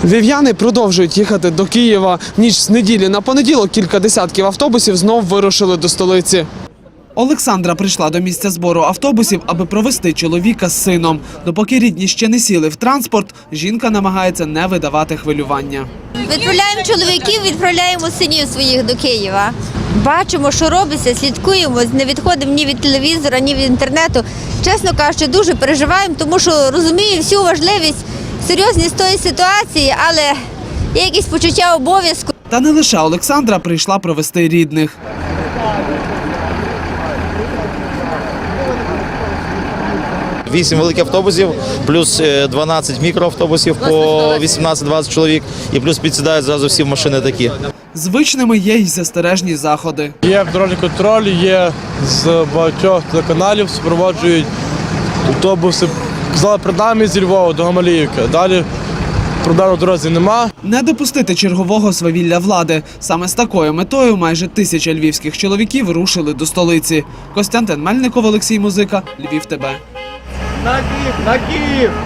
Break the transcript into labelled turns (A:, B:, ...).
A: Львів'яни продовжують їхати до Києва. В ніч з неділі на понеділок кілька десятків автобусів знов вирушили до столиці. Олександра прийшла до місця збору автобусів, аби провести чоловіка з сином. Допоки рідні ще не сіли в транспорт, жінка намагається не видавати хвилювання.
B: Відправляємо чоловіків, відправляємо синів своїх до Києва. Бачимо, що робиться, слідкуємо, не відходимо ні від телевізора, ні від інтернету. Чесно кажучи, дуже переживаємо, тому що розумію всю важливість, серйозність тої ситуації, але є якесь почуття обов'язку.
A: Та не лише Олександра прийшла провести рідних.
C: Вісім великих автобусів, плюс 12 мікроавтобусів по 18-20 чоловік, і плюс підсідають зразу всі машини такі.
A: Звичними є й застережні заходи.
D: Є дорожній контроль, є з багатьох телеканалів, супроводжують автобуси. Казали, перед нами зі Львова до Гамаліївки. Далі проблем на дорозі нема.
A: Не допустити чергового свавілля влади. Саме з такою метою майже 1000 львівських чоловіків рушили до столиці. Костянтин Мельников, Олексій Музика, Львів ТБ.
E: На Київ!